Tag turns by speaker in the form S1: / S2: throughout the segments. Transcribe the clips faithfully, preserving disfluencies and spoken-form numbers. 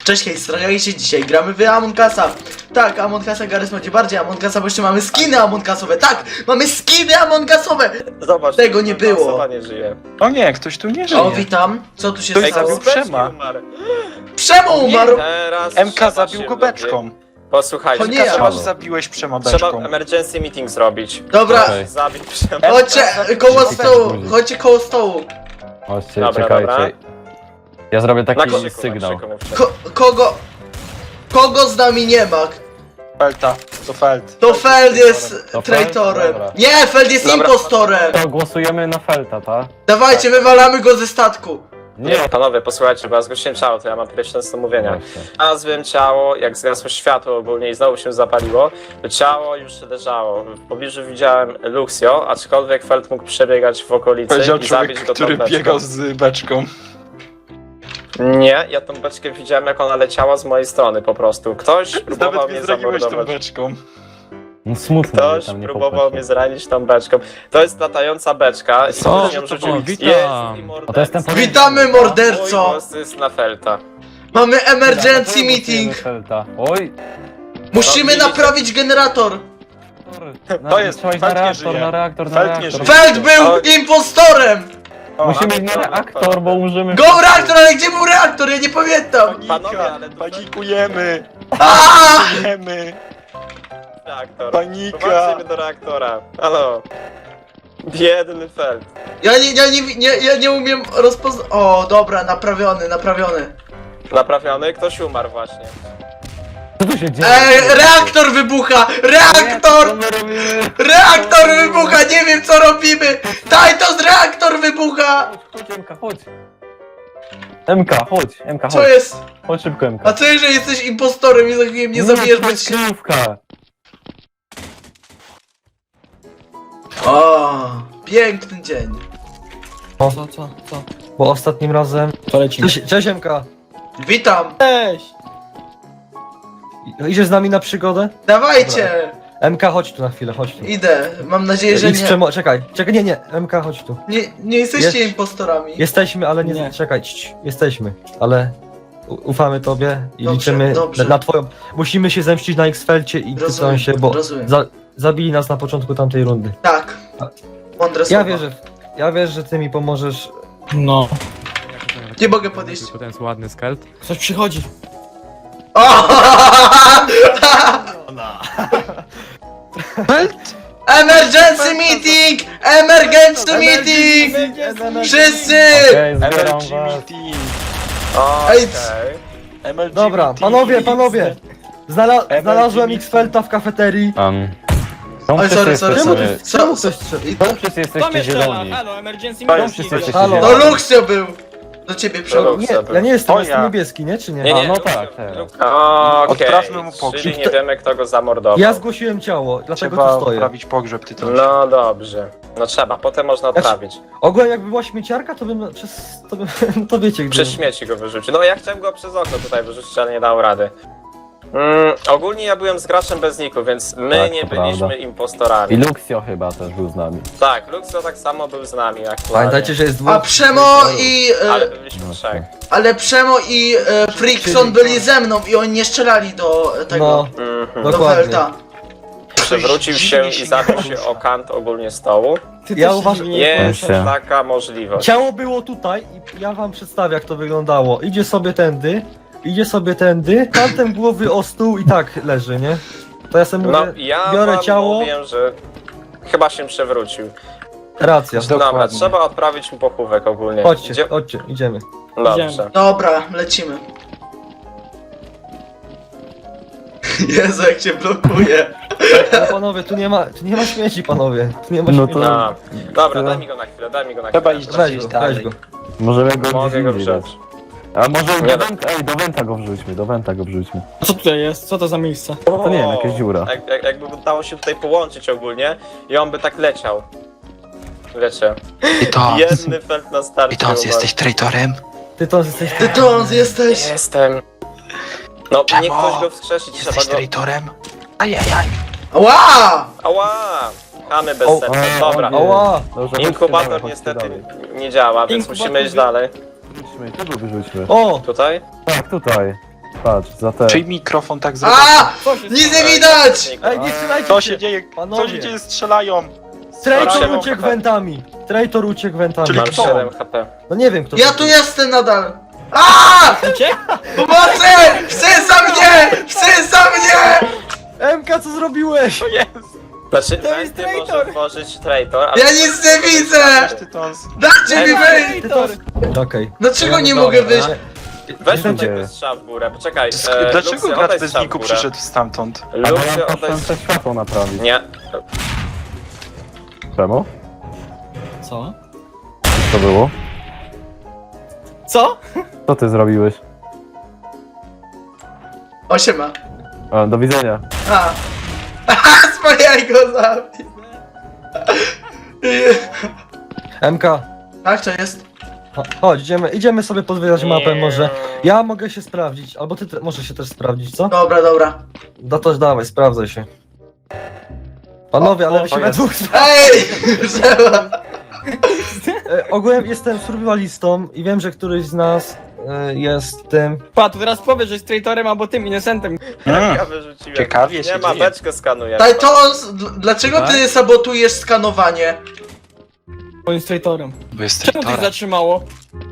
S1: Cześć, hej, strajajcie, dzisiaj gramy w Among Usa. Tak, Among Usa Garys będzie bardziej Among Usa, bo jeszcze mamy skiny Among Usowe. Tak, mamy skiny Among Usowe.
S2: Zobacz,
S1: Tego nie było.
S2: Osoba nie żyje.
S3: O nie, ktoś tu nie żyje.
S1: O, witam. Co tu się
S3: Ktoś
S1: stało?
S3: zabił Przema.
S1: Przemo umarł.
S2: Teraz
S3: M K
S2: trzeba
S3: zabił
S2: się
S3: go beczką.
S2: Posłuchajcie,
S1: O nie,
S3: Każe,
S1: ja.
S3: masz zabiłeś Przema
S2: trzeba
S3: beczką.
S2: emergency meeting zrobić.
S1: Dobra,
S4: Okej.
S2: Zabić Przema.
S1: chodźcie koło
S4: Czekaj,
S1: stołu,
S4: guzik.
S1: chodźcie koło stołu.
S4: Chodźcie,
S2: Dobra,
S4: czekajcie.
S2: dobra.
S4: Ja zrobię
S2: Na
S4: taki
S2: krzyku,
S4: sygnał.
S2: na krzyku, na krzyku.
S1: Ko kogo... Kogo z nami nie ma?
S3: Felta, to Felt.
S1: To Feld jest
S4: To Feld?
S1: traitorem.
S4: Dobra.
S1: Nie, Feld jest
S2: Dobra.
S1: impostorem.
S4: To głosujemy na Felta, tak?
S1: Dawajcie, wywalamy go ze statku.
S4: Nie.
S2: Panowie, posłuchajcie, bo ja zgłosiłem ciało, to ja mam pierwsze do mówienia.
S4: Właśnie.
S2: Znalazłem ciało, jak zgasło światło ogólnie i znowu się zapaliło, to ciało już leżało. W pobliżu widziałem Luxio, aczkolwiek Feld mógł przebiegać w okolicy
S3: Powiedział
S2: i
S3: człowiek,
S2: zabić go
S3: który
S2: tą beczką.
S3: biegał z beczką.
S2: Nie, ja tą beczkę widziałem, jak ona leciała z mojej strony po prostu. Ktoś próbował
S3: Nawet
S2: mnie
S3: nie zdradziłeś tą
S2: zamordować.
S3: beczką.
S4: No smutno,
S2: Ktoś
S4: że tam nie
S2: próbował
S4: popatrz.
S2: mnie zranić tą beczką. To jest latająca beczka.
S4: Co?
S2: Nią rzucił.
S4: O,
S2: Jest
S4: witam.
S2: i
S4: O, to jestem
S2: morderca.
S1: Witamy,
S2: Mój
S1: morderco.
S2: głos jest na Felta.
S1: Mamy emergency
S4: Dobra, to
S1: meeting.
S4: głosujemy Felta. Oj!
S1: Musimy
S2: widzicie?
S1: naprawić generator.
S4: Na,
S3: To jest,
S4: trzeba iść na
S3: Felt nie
S4: reaktor,
S3: żyje.
S4: na reaktor, na
S3: Felt nie
S4: reaktor.
S3: żyje.
S1: Feld był
S2: Oj.
S1: impostorem.
S3: O,
S4: Musimy
S2: ale
S4: iść
S2: to-
S4: na reaktor, bo umrzemy.
S1: Go reaktor, ale gdzie był reaktor? Ja nie pamiętam.
S2: Panowie,
S3: Panika,
S2: ale to-
S3: panikujemy,
S1: Aaaa!
S3: panikujemy,
S2: Reaktor.
S3: panika.
S2: Prowadzimy do reaktora. Halo. Biedny Feld.
S1: Ja nie, ja nie, nie, ja nie umiem rozpoznać. O, dobra, naprawiony, naprawiony.
S2: Naprawiony? Ktoś umarł właśnie.
S4: Co tu się dzieje?
S1: Ej, reaktor wybucha! Reaktor!
S4: Co my robimy?
S1: Reaktor wybucha! Nie wiem co robimy! Titus, reaktor wybucha!
S4: Chodź, chodź, M K, chodź. M K, chodź, M K,
S1: Co
S4: chodź.
S1: jest?
S4: Chodź szybko, M K.
S1: A co jeżeli jesteś impostorem i za chwilę mnie zabijesz
S4: to
S1: bez
S4: jest
S1: się...
S4: kryjówka.
S1: O, piękny dzień.
S5: Co, co, co? Bo ostatnim razem...
S6: To lecimy.
S5: Cześć, cześć M K!
S1: Witam.
S6: Cześć!
S5: I- Idziesz z nami na przygodę?
S1: Dawajcie!
S5: M K, chodź tu na chwilę, chodź tu.
S1: Idę. Mam nadzieję, że
S5: Idź
S1: nie...
S5: przemo... Czekaj, czekaj, nie, nie, M K, chodź tu.
S1: Nie, nie jesteście
S5: Jest-
S1: impostorami.
S5: Jesteśmy, ale nie...
S6: Nie.
S5: Czekaj, cii, jesteśmy, ale... u- Ufamy tobie i
S1: Dobrze,
S5: liczymy
S1: dobrze.
S5: na, na twoją... Musimy się zemścić na X-Felcie i
S1: Rozumiem,
S5: tytułem się, bo
S1: rozumiem.
S5: za, zabili nas na początku tamtej rundy.
S1: Tak. Mądre
S5: Ja
S1: słowa.
S5: wierzę, w- ja wierzę, że ty mi pomożesz.
S6: No.
S1: Nie mogę podejść.
S7: Tylko ten jest ładny skelt.
S6: Ktoś przychodzi.
S1: O! Emergency meeting! Emergency meeting! Wszyscy!
S4: Okej, zbieram
S3: Emergency
S4: was.
S3: meeting.
S1: Ej,
S2: Okej.
S3: Emergency
S5: Dobra,
S3: meeting.
S5: panowie, panowie! Znala
S3: Emergency
S5: znalazłem
S3: meeting.
S5: X-Felta w kafeterii.
S4: Um, są
S1: Oj,
S4: wszyscy
S1: sorry, sorry,
S4: jesteśmy-
S1: sorry.
S5: Czemu
S1: Co?
S5: ktoś strzelił?
S4: Czemu wszyscy jesteście zieloni?
S6: Halo, emergency
S3: To
S6: meeting.
S3: jest-
S4: Wszyscy jesteście
S5: Halo.
S1: To
S4: zieloni.
S1: Luxio był! Do ciebie
S2: To
S1: przyszedł.
S2: Luxio.
S5: Nie, ja nie jestem,
S3: O,
S5: jestem
S3: ja.
S5: niebieski, nie? Czy nie?
S2: Nie, nie,
S4: A, no
S2: Luxio-
S4: tak, teraz.
S2: Luxio- Okej,
S3: Odprawmy mu pogrzeb.
S2: czyli nie wiemy, kto go zamordował.
S5: Ja zgłosiłem ciało, dlatego
S3: Trzeba
S5: tu stoję.
S3: odprawić pogrzeb, ty to.
S2: No dobrze. No trzeba, potem można
S5: Znaczy-
S2: odprawić.
S5: Ogólnie jakby była śmieciarka, to bym przez... to, bym, to wiecie gdzie.
S2: Przez śmieci go wyrzucił. No ja chciałem go przez okno tutaj wyrzucić, ale nie dał rady. Mm, ogólnie ja byłem z graczem bez niku, więc my
S4: Tak,
S2: nie
S4: to
S2: byliśmy
S4: prawda.
S2: impostorami.
S4: I Luxio chyba też był z nami.
S2: Tak, Luxo tak samo był z nami aktualnie.
S5: Pamiętajcie, że jest dwóch.
S1: A Przemo i...
S2: Ale
S1: E,
S2: byliśmy
S4: No,
S2: trzech.
S1: ale Przemo i e, Frickson byli ze mną i oni nie strzelali do
S5: No,
S1: tego...
S2: Mhm.
S1: do
S5: dokładnie.
S1: Felta.
S2: Przewrócił się i zabił się o kant ogólnie stołu.
S6: Ty
S5: Ja
S6: też się
S5: uważam-
S6: dziwnie
S2: Jest
S4: Jeszcze.
S2: taka możliwość.
S5: Ciało było tutaj i ja wam przedstawię jak to wyglądało. Idzie sobie tędy, idzie sobie tędy, kantem głowy o stół i tak leży, nie? To ja sobie
S2: No
S5: mówię,
S2: ja
S5: biorę
S2: wam
S5: ciało,
S2: mówię, że chyba się przewrócił.
S5: racja.
S2: Dobra,
S3: Dokładnie.
S2: trzeba odprawić mu pochówek ogólnie.
S5: Chodźcie,
S2: Idzie-
S5: chodźcie, idziemy.
S2: Dobrze.
S6: Idziemy.
S1: Dobra, lecimy. Jezu, jak cię blokuje.
S5: No panowie, tu nie ma, tu nie ma śmieci, panowie. Tu nie ma
S4: No
S5: śmieci.
S4: to-
S2: A, dobra,
S4: To-
S2: daj mi go na chwilę, daj mi go na
S3: Trzeba
S2: chwilę.
S3: iść
S5: Weź
S3: gdzieś
S5: go, weź
S3: dalej.
S5: go.
S4: Możemy go
S2: Mogę
S4: gdzieś
S2: go
S4: indziej dać.
S2: wziąć.
S4: A może
S2: Nie
S4: do Wenta, ej, do Wenta go wrzućmy, do Wenta go wrzućmy.
S6: A co tutaj jest? Co to za miejsce?
S4: To nie wiem, jakaś dziura.
S2: Jak, jak, jakby udało się tutaj połączyć ogólnie i on by tak leciał. Wiecie.
S8: Tytons,
S2: Jedny felt na starcie.
S8: Tytons,
S2: umarł.
S8: jesteś traitorem?
S5: Ty to jesteś...
S1: Ty to jesteś.
S2: Jestem. No,
S8: Czemu?
S2: niech ktoś go wskrzesić, trzeba
S8: Jesteś
S2: go...
S8: traitorem? Ajajaj.
S1: Ła!
S2: Ała! Chamy bez
S5: O,
S2: serca,
S4: o,
S2: dobra.
S4: nie.
S5: Oła!
S4: Dobrze, chodźcie
S2: Inkubator
S4: dalej, chodźcie
S2: niestety
S4: dalej.
S2: nie działa, więc
S6: Inkubator
S2: musimy iść
S6: wy-
S2: dalej.
S4: Wrzućmy, tego wyrzućmy.
S5: O!
S2: Tutaj?
S4: Tak, tutaj. Patrz, za te.
S3: Czyj mikrofon tak zrobił?
S1: A!
S6: Co się
S1: Nic
S6: stało?
S1: nie widać!
S5: Ej, nie strzelajcie
S3: Co się dzieje? Co
S5: Panowie.
S3: się dzieje? Strzelają!
S5: Traitor
S3: Strzelają.
S5: uciekł wentami. Traitor uciekł wentami.
S3: Czyli
S2: Mam
S3: kto?
S2: siedem H P.
S5: No nie wiem kto
S1: Ja
S5: to
S1: tu
S5: jest.
S1: jestem nadal! A!
S6: Uciekł?
S1: Pomocy! Chcę za mnie! Chcę za mnie!
S5: M K, co zrobiłeś?
S2: Znaczy,
S6: To jest
S2: Wenty może
S6: traitor.
S2: tworzyć traitor, ale...
S1: Ja nic nie widzę!
S3: Tytons.
S1: Dajcie mi wyjść!
S6: Traitor!
S5: Okej.
S1: Dlaczego nie
S5: Dobra.
S1: mogę wyjść?
S2: Weź
S5: Jestem
S2: tutaj
S4: ciekawy.
S2: strzał w górę, poczekaj. E,
S3: Dlaczego
S2: Luxio,
S3: gracz
S2: oddaj
S3: bez
S2: strzał w
S3: niku
S2: górę.
S3: przyszedł stamtąd?
S4: A bo ja
S2: Luxio, oddaj
S4: poszedłem te światło naprawić.
S2: Nie.
S4: Czemu?
S6: Co?
S4: Co było?
S6: Co?
S4: Co ty zrobiłeś?
S1: Osiema.
S4: A, do widzenia.
S1: A. Aha, spajaj go zabił.
S5: M K,
S1: Tak, to jest.
S5: cho- chodź, idziemy, idziemy sobie podwiedzać mapę może. Ja mogę się sprawdzić, albo ty te, możesz się też sprawdzić, co?
S1: Dobra, dobra.
S5: No to dawaj, sprawdzaj się. Panowie, ale wy się
S3: o,
S5: we
S3: jest.
S5: dwóch...
S1: Ej! Trzeba.
S5: E, ogółem jestem survivalistą i wiem, że któryś z nas e, jest tym...
S6: Pa, to teraz powiesz, że jest traitorem albo tym innocentem.
S3: Mm.
S2: Ja wyrzuciłem.
S3: Ciekawie się
S2: Nie ma,
S3: dzieje.
S2: beczkę skanuję.
S1: Tajtons, dl- dlaczego ty sabotujesz skanowanie?
S6: On jest traitorem.
S3: Bo jest
S6: Czemu to się
S3: traitorem.
S6: zatrzymało?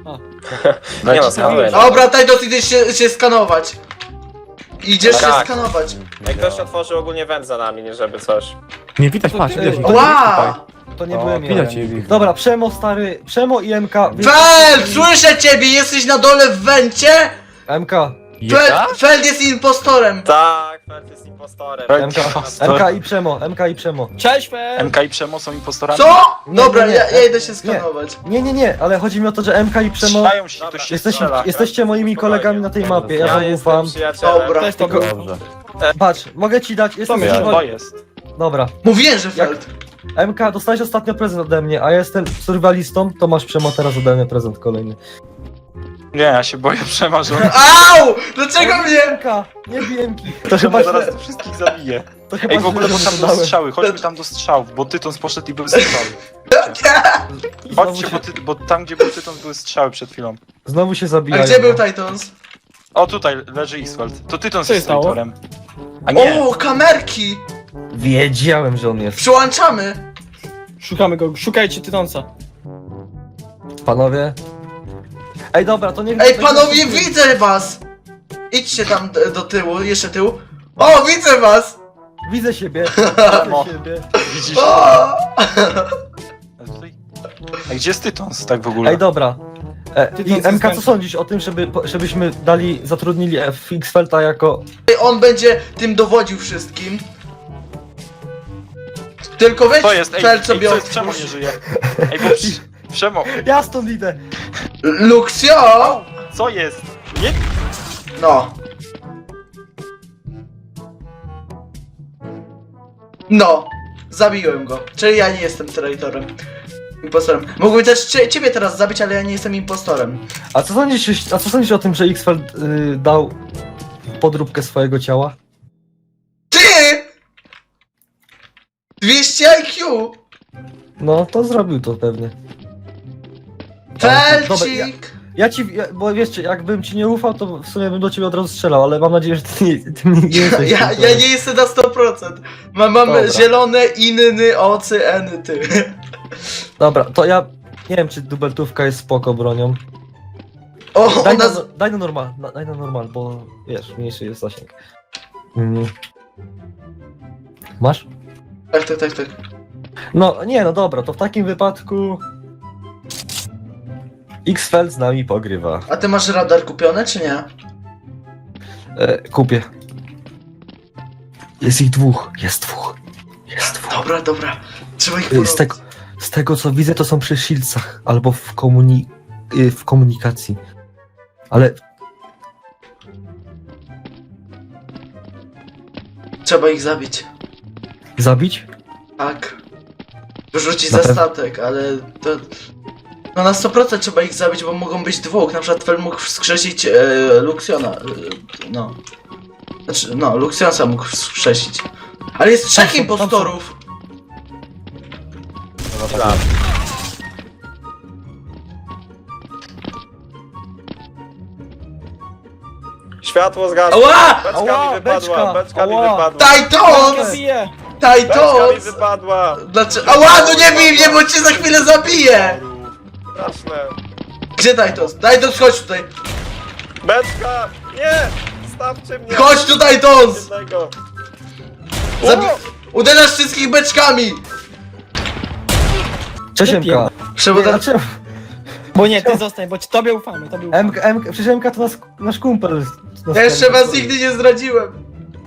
S2: Nie ma skanuję.
S1: Dobra, Tajtos, idziesz się, się skanować. Idziesz się
S2: Tak.
S1: skanować.
S2: Jak ktoś otworzył ogólnie węd za nami, nie żeby coś.
S7: Nie widać,
S6: To
S7: patrz,
S6: ty-
S7: widać.
S5: Ej,
S7: widać.
S1: Ła!
S5: To nie
S4: O,
S5: byłem ja.
S7: widać jej.
S5: Dobra, Przemo stary, Przemo i M K...
S1: Fel, słyszę ciebie, jesteś na dole w wencie?
S5: M K,
S1: Fel, Feld jest impostorem.
S2: Tak, Felt jest impostorem.
S5: M K, M K i Przemo, M K i Przemo.
S6: Cześć, Fer!
S3: M K i Przemo są impostorami?
S1: Co?
S5: Nie,
S1: Dobra,
S5: nie, nie.
S1: ja, ja idę się skanować.
S5: Nie, nie, nie, ale chodzi mi o to, że M K i Przemo...
S3: Strzelają się,
S2: Dobra.
S3: ktoś się
S5: Jesteście,
S3: strzela.
S5: jesteście moimi kolegami na tej mapie, ja
S2: Ja
S5: wam
S2: jestem
S5: ufam.
S2: przyjacielem.
S1: Dobra.
S6: Też to
S5: Tylko-
S6: było.
S4: Dobrze.
S5: Patrz, mogę ci dać, jestem...
S6: To
S3: To jest.
S5: Dobra,
S1: Mówiłem, że Feld.
S5: M K, dostałeś ostatnio prezent ode mnie, a ja jestem survivalistą, to masz Przemo teraz ode mnie prezent kolejny.
S3: Nie, ja się boję Przema, że on
S1: Au! Dlaczego mnie?
S5: M K, nie bij M K. To chyba
S3: Przemo zaraz
S5: źle,
S3: tu wszystkich zabije.
S5: to chyba
S3: Ej, w ogóle
S5: źle,
S3: bo
S5: że
S3: tam
S5: to
S3: do
S5: dałem.
S3: strzały, chodźmy tam do strzałów, bo Tytons poszedł i były strzały.
S5: Znowu
S3: Chodźcie,
S5: się,
S3: bo, ty, bo tam gdzie był Tytons były strzały przed chwilą.
S5: znowu się
S1: A
S5: zabijają.
S1: gdzie był
S5: no.
S1: Tajtons?
S3: O, tutaj leży Iswald. To Tytons
S6: Co
S3: jest
S6: się stało?
S3: traitorem. A nie,
S1: O, kamerki!
S5: Wiedziałem, że on jest.
S1: Przyłączamy.
S6: Szukamy go, szukajcie Tytonsa.
S5: Panowie. Ej, dobra, to nie
S1: Ej, panowie, widzę was! Idźcie tam d- do tyłu, jeszcze tył. O, widzę was!
S5: Widzę siebie.
S3: Przemo.
S5: Widzę siebie.
S1: O!
S3: widzisz? A tutaj- A gdzie jest Tytons tak w ogóle?
S5: Ej, dobra. E,
S6: Ty
S5: I
S6: to
S5: M K, co
S6: zyskam.
S5: sądzisz o tym, żeby, po- żebyśmy dali, zatrudnili Fixfelta jako...
S1: On będzie tym dowodził wszystkim. Tylko weź
S3: To jest, ej,
S1: Feld
S3: ej,
S1: sobie
S3: co jest, Przemo
S1: otwórz.
S3: nie żyje. Ej, bo Prz- Przemo,
S5: Ja stąd idę.
S1: Luxio!
S3: co jest? Nie,
S1: No. No. Zabiłem go. Czyli ja nie jestem traitorem. Impostorem. Mógłbym też cie, ciebie teraz zabić, ale ja nie jestem impostorem.
S5: A co sądzisz, a co sądzisz o tym, że Xfeld y, dał podróbkę swojego ciała?
S1: Ty! dwieście I Q!
S5: No, to zrobił to pewnie. Dobra, ja,
S1: Felcik!
S5: ja ci, ja, bo wiesz, jakbym ci nie ufał, to w sumie bym do ciebie od razu strzelał, ale mam nadzieję, że ty nie, ty nie
S1: Ja,
S5: jesteś.
S1: ja,
S5: tym,
S1: ja nie jestem na sto procent. Mam, mam
S5: Dobra.
S1: zielone, inny, ocy, eny, ty.
S5: Dobra, to ja nie wiem, czy dubeltówka jest spoko bronią.
S1: O,
S5: Daj
S1: ona...
S5: na,
S1: z-
S5: daj na normal, na, daj na normal, bo wiesz, mniejszy jest zasięg. Mm. Masz?
S1: Tak, tak, tak, tak.
S5: No, nie, no dobra, to w takim wypadku... Xfeld z nami pogrywa.
S1: A ty masz radar kupiony, czy nie?
S5: E, kupię. Jest ich dwóch, jest dwóch. Jest dwóch.
S1: Dobra, dobra. Trzeba ich
S5: Y,
S1: porobić.
S5: Z tego, z tego co widzę, to są przy Shieldsach albo w, komuni y, w komunikacji. Ale
S1: Trzeba ich zabić.
S5: zabić?
S1: Tak. Wyrzucić
S5: Na
S1: za
S5: pew-
S1: statek, ale to... No na sto procent trzeba ich zabić, bo mogą być dwóch. Na przykład Fel mógł wskrzesić e, Luxiona. E, no. Znaczy, no, Luxionsa mógł wskrzesić. Ale jest trzech
S5: Tam są- tam są-
S1: impostorów.
S2: Dobra. Światło zgasło.
S1: Ała!
S2: Beczka
S5: Ała,
S2: mi wypadła,
S5: beczka.
S2: beczka mi
S5: Ała.
S2: wypadła.
S1: Titans!
S6: Bije!
S2: Beczka mi
S1: Titans!
S2: wypadła.
S1: Dlaczego? Ała, no nie bij mnie, bo cię za chwilę zabiję!
S2: Straszne.
S1: Gdzie Titans? Titans, chodź tutaj!
S2: Beczka! Nie! Stawcie mnie!
S1: Chodź tu, Titans!
S2: Jednego.
S1: Zabi- Uderzasz wszystkich beczkami!
S5: Cześć M K.
S1: Przewodem...
S5: Dlaczego?
S6: Bo nie, ty zostań, bo ci tobie ufamy, tobie ufamy.
S5: M K, M K, przecież M K to nas, nasz kumpel. Nas
S1: Ja jeszcze was nigdy nie zdradziłem.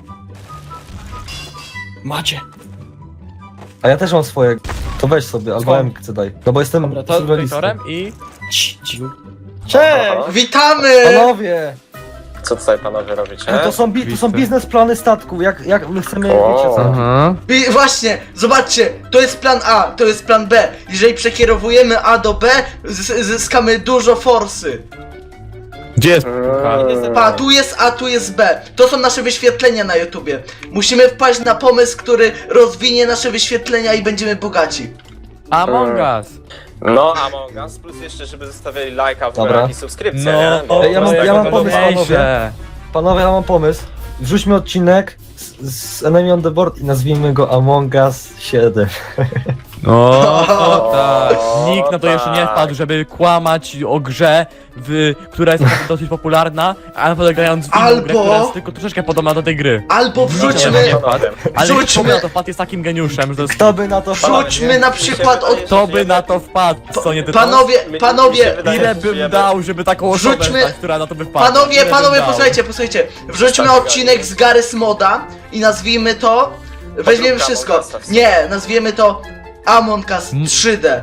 S6: Macie.
S5: A ja też mam swoje. To weź sobie, albo
S6: Swoje.
S5: M K daj. No bo jestem
S6: Dobra, to
S5: survivalistą.
S3: i...
S6: Cii, cii. Cześć!
S1: Witamy!
S5: Panowie!
S2: Co tutaj panowie robicie?
S5: To są, bi- to są biznesplany statku, jak, jak my chcemy,
S2: O.
S5: wiecie co?
S3: Aha.
S1: I właśnie, zobaczcie, to jest plan A, to jest plan B. Jeżeli przekierowujemy A do B, z- zyskamy dużo forsy.
S3: Gdzie jest
S2: Eee,
S1: Pa, tu jest A, tu jest B. To są nasze wyświetlenia na YouTubie. Musimy wpaść na pomysł, który rozwinie nasze wyświetlenia i będziemy bogaci.
S3: Among Us.
S2: No, Among Us, plus jeszcze, żeby zostawili lajka w
S5: Dobra.
S2: ogóle i subskrypcję,
S3: No,
S2: nie? Bo
S5: Ej, ja mam-
S2: tak
S5: ja mam
S2: będą
S5: pomysł,
S2: mieli-
S5: panowie. Panowie, ja mam pomysł. Wrzućmy odcinek z, z Enemy on the Board i nazwijmy go Among Us siedem.
S3: No,
S2: O,
S3: tak. Nikt na to jeszcze nie
S2: tak.
S3: wpadł, żeby kłamać o grze, w, która jest naprawdę dosyć popularna, a naprawdę grając w inną
S1: Albo-
S3: grę, która jest tylko troszeczkę podobna do tej gry.
S1: Albo
S3: Nikt na to
S1: wrzućmy,
S3: nie wpadł. Ale
S1: Wrzućmy-
S3: kto by na to wpadł jest takim geniuszem, że to jest...
S5: Kto by na to wpadł,
S1: wrzućmy
S5: nie?
S1: na przykład od...
S3: Kto by na to wpadł, co nie ty to?
S1: Panowie,
S2: Mi- mi się
S1: panowie,
S2: wydaje,
S3: Ile
S2: że
S3: bym
S2: żyjemy-
S3: dał, żeby taką osobę,
S1: Wrzućmy-
S3: tak, która na to by wpadła?
S1: Panowie,
S3: Ile bym
S1: panowie,
S3: dał?
S1: posłuchajcie, posłuchajcie. Wrzućmy
S2: Tak,
S1: odcinek z Garry's Moda i nazwijmy to... Weźmiemy
S2: Podróbka
S1: wszystko.
S2: Among Usa w sumie.
S1: Nie, nazwiemy to Among Us
S3: M-
S1: trzy D.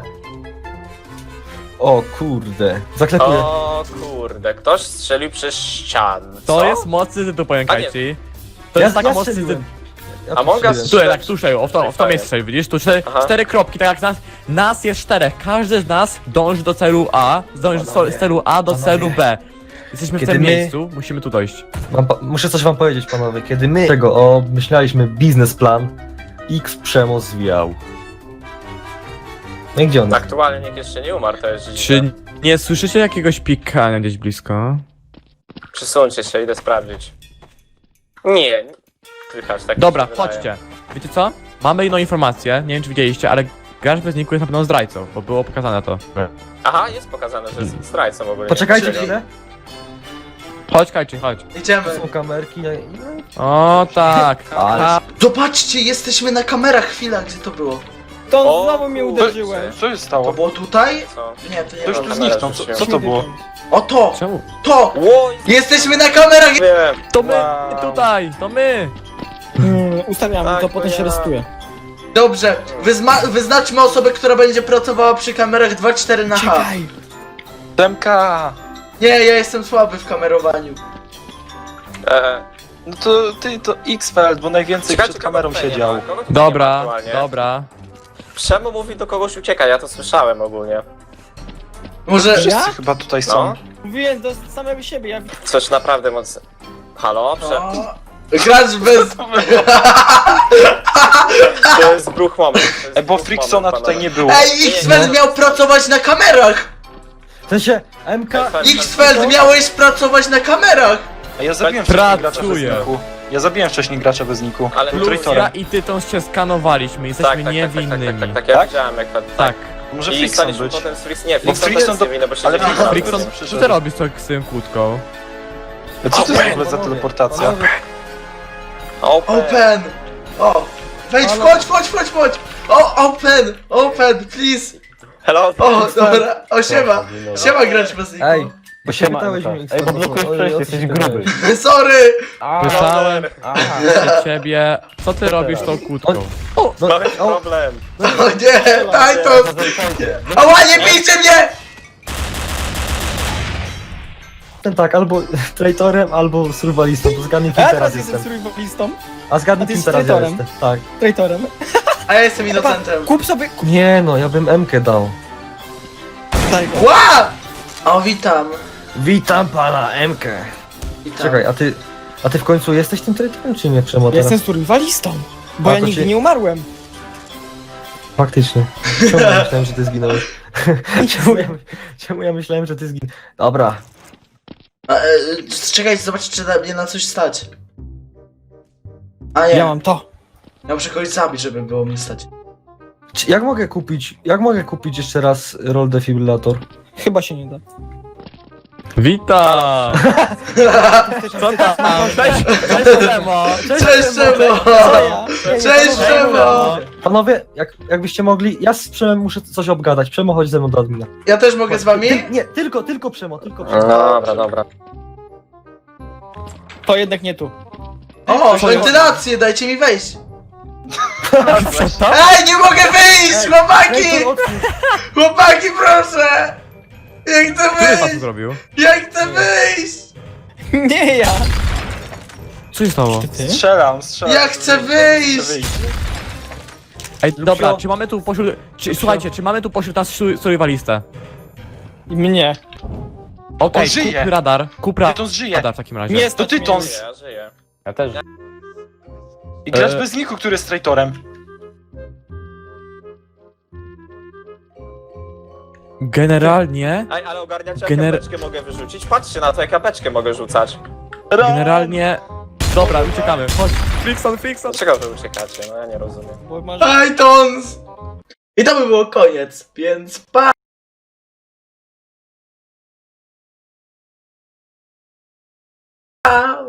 S5: O kurde. Zaklepuję.
S2: O kurde, ktoś strzelił przez ścianę.
S3: To
S2: Co?
S3: jest mocny tytuł, powiem
S2: A nie.
S3: Kajci. To
S5: Ja-
S3: jest taka
S5: ja
S3: mocny
S5: strzeliłem.
S3: tytuł.
S5: Ja
S2: Among Us
S5: strzeliłem.
S3: Tutaj, tak, tu strzelił, o w to, w to miejsce strzelił, widzisz? Tu cztery,
S2: Aha.
S3: cztery kropki, tak jak nas, nas jest czterech. Każdy z nas dąży do celu A, dąży
S5: Panowie,
S3: z celu A do
S5: panowie.
S3: celu B. Jesteśmy w
S5: Kiedy
S3: tym
S5: my-
S3: miejscu, musimy tu dojść.
S5: Mam pa- muszę coś wam powiedzieć, panowie. Kiedy my tego obmyślaliśmy biznesplan, X Przemo zwijał. No i gdzie on jest?
S2: Aktualnie nikt jeszcze nie umarł, to jest dziwne.
S3: Czy nie słyszycie jakiegoś pikania gdzieś blisko?
S2: Przysuńcie się, idę sprawdzić. Nie, nie. Słychać, tak mi
S3: Dobra,
S2: się wydaje.
S3: chodźcie. Wiecie co? Mamy inną informację, nie wiem czy widzieliście, ale gracz bez niku jest na pewno zdrajcą, bo było pokazane to.
S2: Aha, jest pokazane, że jest zdrajcą ogólnie.
S5: Poczekajcie
S2: Czyli-
S5: chwilę.
S3: Chodź Kajczy, chodź.
S1: Idziemy.
S5: Tu są kamerki. no i-
S3: O tak.
S5: Ale-
S3: A,
S1: Zobaczcie, jesteśmy na kamerach. Chwila, gdzie to było?
S6: To
S2: O,
S6: znowu mnie
S2: kurde.
S6: uderzyłeś.
S3: co się
S1: To
S3: stało?
S1: było tutaj?
S2: Co?
S1: Nie, to nie
S3: To już
S1: było.
S3: tu zniknął, co, co to było?
S1: O to!
S3: Czemu?
S1: To!
S2: Ło,
S1: Jesteśmy na kamerach!
S2: wiem.
S3: To my
S2: Wow.
S3: tutaj, to my!
S6: Hmm, ustawiamy,
S2: Tak,
S6: to potem się
S2: ja.
S6: restuje.
S1: Dobrze, wyzma- wyznaczmy osobę, która będzie pracowała przy kamerach dwa cztery na H.
S6: Czekaj!
S8: Demka!
S1: Nie, ja jestem słaby w kamerowaniu.
S2: E,
S8: No to ty to X-Feld, bo najwięcej
S2: czekajcie,
S8: przed kamerą
S2: kogo tutaj nie
S8: siedział.
S2: ma? Kogo tutaj nie ma
S3: Dobra,
S2: aktualnie?
S3: dobra.
S2: Przemo mówi do kogoś ucieka, ja to słyszałem ogólnie.
S1: Może...
S6: Ja?
S8: Wszyscy chyba tutaj są.
S2: No,
S6: Mówiłem do samego siebie, ja
S2: coś naprawdę mocno. Halo? Prze...
S1: O, gracz bez...
S2: To jest bruch moment. to jest
S8: E, bo
S2: bruch
S8: Fricksona
S2: moment,
S8: tutaj
S2: panowie.
S8: nie było.
S1: Ej, X-Feld miał pracować na kamerach!
S5: W sensie, M K...
S1: X-Feld miałeś pracować na kamerach!
S8: A ja zabiłem wcześniej gracza bez
S3: Pracuję.
S8: niku. Ja zabiłem wcześniej gracza bez niku.
S2: Ale
S8: Był
S2: plus
S3: Plus
S8: traitorem.
S3: ja i ty tą się skanowaliśmy,
S2: Tak,
S3: jesteśmy
S2: tak, tak, tak, tak,
S3: niewinnymi.
S2: tak, tak, tak, ja
S8: Tak?
S2: widziałem jak to...
S3: Tak.
S8: Może
S2: I
S8: Frickson
S2: staliśmy
S8: być.
S2: potem z Fricks... Nie,
S8: Bo
S2: Frickson
S8: Frickson
S2: też
S8: do-
S2: nie winny, bo się
S8: ale
S2: nie
S8: Frickson-
S3: Frickson,
S8: Frickson
S3: co ty robisz z tą- z tą kłódką?
S8: Co to jest w ogóle za
S5: Panowie,
S8: teleportacja?
S5: panowie,
S2: Open.
S1: Open! O! Wejdź,
S5: Halo?
S1: wchodź, wchodź, wchodź, wchodź! O, open! Open, please!
S2: Hello?
S1: O, dobra, o, siema! Siema, gracz bez niku.
S5: Ej, bo się pytałeś mnie X.
S4: Ej, bo blokujesz przejście, jesteś gruby.
S1: Sorry!
S3: Słyszałem
S4: Aha.
S3: od ciebie, co ty robisz z tą kłódką?
S5: No,
S2: Mamy
S5: o,
S2: problem.
S1: O nie, Titus! Ała, nie bijcie mnie!
S5: ten tak, albo traitorem, albo survivalistą, to zgadnij kim
S6: Ja
S5: teraz
S6: teraz jestem
S5: jestem.
S6: survivalistą,
S5: A zgadnij
S6: A ty
S5: kim
S6: jesteś
S5: teraz ja
S6: traitorem?
S5: jestem. Tak.
S6: traitorem.
S1: A ja jestem innocentem.
S6: Kup sobie... Kup...
S5: Nie no, ja bym M-kę dał.
S6: Daj go.
S1: Ła! O, witam.
S5: Witam pana M-kę.
S1: Witam.
S5: Czekaj, a ty... A ty w końcu jesteś tym traitorem, czy nie, Przemo?
S6: Ja
S5: teraz?
S6: jestem survivalistą, bo
S5: A,
S6: ja
S5: to
S6: nigdy
S5: ci-
S6: nie umarłem.
S5: Faktycznie. Czemu ja myślałem, że ty zginąłeś? czemu, ja, czemu ja myślałem, że ty zginąłeś? Dobra.
S1: A, e, czekajcie, zobaczcie, czy na mnie na coś stać. A nie,
S6: Ja mam to.
S1: ja muszę kogoś zabić, żeby było mnie stać.
S5: Czy- Jak mogę kupić, jak mogę kupić jeszcze raz roll defibrillator?
S6: Chyba się nie da.
S3: Witam! Co tam? Cześć, cześć Szemo!
S1: Cześć, Szemo!
S6: Co ja?
S1: Cześć, Szemo!
S5: Panowie, jak, jakbyście mogli, ja z Przemem muszę coś obgadać. Przemo, chodź ze mną do admina.
S1: Ja też mogę z wami?
S5: Ty, nie, tylko, tylko Przemo, tylko
S2: No
S5: Przemo.
S2: dobra, dobra.
S6: To jednak nie tu.
S1: O, wentylację, dajcie mi wejść!
S3: Co?
S1: Ej, nie mogę wyjść! Chłopaki!
S5: Ej, to otwórz.
S1: Chłopaki, proszę! Ja chcę
S3: Który was to
S1: wyjść!
S3: zrobił?
S1: Ja chcę wyjść!
S6: Nie ja!
S3: Co się stało?
S6: Ty?
S8: Strzelam, strzelam.
S1: Ja chcę wyjść!
S8: Chcę wyjść.
S3: Ej, dobra, czy mamy tu pośród... Czy, słuchajcie, czy mamy tu pośród nas su- survivalistę?
S6: Mnie.
S3: Okej,
S8: On żyje.
S3: kup radar, kup ra-
S8: Tytons żyje.
S3: radar w takim razie.
S6: Nie
S8: To
S6: stać
S8: Tytons.
S6: mnie.
S2: Ja żyję.
S4: Ja też.
S8: I gracz
S3: E.
S8: bez niku, który jest traitorem.
S3: Generalnie...
S2: Ej, ale ogarniacie, jak
S3: Gener-
S2: kapeczkę mogę wyrzucić? Patrzcie na to, jak kapeczkę mogę rzucać.
S3: Generalnie... Dobra, uciekamy. Chodź, Fixon, Fixon.
S2: Dlaczego wy uciekacie? No ja nie rozumiem.
S6: Bo masz...
S1: Titans! I to by było koniec, więc pa!